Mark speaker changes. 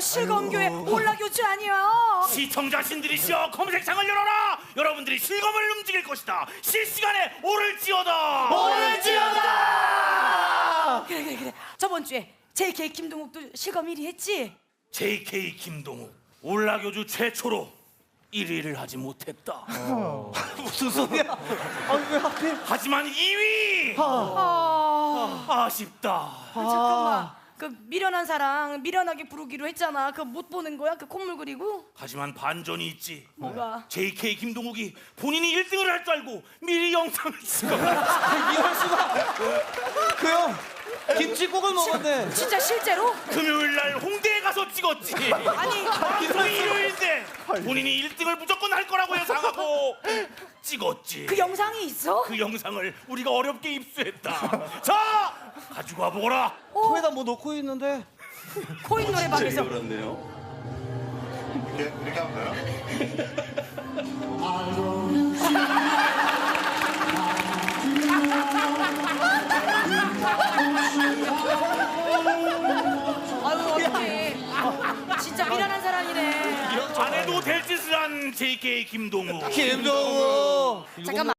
Speaker 1: 실검교회 올라교주 아니야?
Speaker 2: 시청자신들이시여 검색창을 열어라. 여러분들이 실검을 움직일 것이다. 실시간에 오를지어다.
Speaker 1: 그래. 저번 주에 JK 김동욱도 실검 1위 했지?
Speaker 2: JK 김동욱 올라교주 최초로 1위를 하지 못했다.
Speaker 3: 무슨 소리야? 아니 왜 하필?
Speaker 2: 하지만 2위 아쉽다.
Speaker 1: 잠깐만. 그 미련한 사랑 미련하게 부르기로 했잖아. 그거 못 보는 거야? 그 콧물 그리고?
Speaker 2: 하지만 반전이 있지.
Speaker 1: 뭐가?
Speaker 2: JK 김동욱이 본인이 1등을 할 줄 알고 미리 영상을 찍어.
Speaker 3: 이럴 수가. 그 형 김치국을 먹었네.
Speaker 1: 진짜 실제로?
Speaker 2: 금요일 날 홍대에 가서 찍었지.
Speaker 1: 아니
Speaker 2: 방송이 일요일인데 본인이 1등을 무조건 할 거라고 예상하고 찍었지.
Speaker 1: 그 영상이 있어?
Speaker 2: 그 영상을 우리가 어렵게 입수했다. 자, 가지고 와보거라.
Speaker 3: 코에다 뭐 넣고 있는데.
Speaker 1: 코인 노래방에서
Speaker 4: 그렇네요. 이렇게 하면 돼요?
Speaker 1: 아유 어떡해. 진짜 미련한 사람이네.
Speaker 2: 안 해도 될 짓을 한 JK 김동욱.
Speaker 3: 김동우.
Speaker 1: 잠깐만.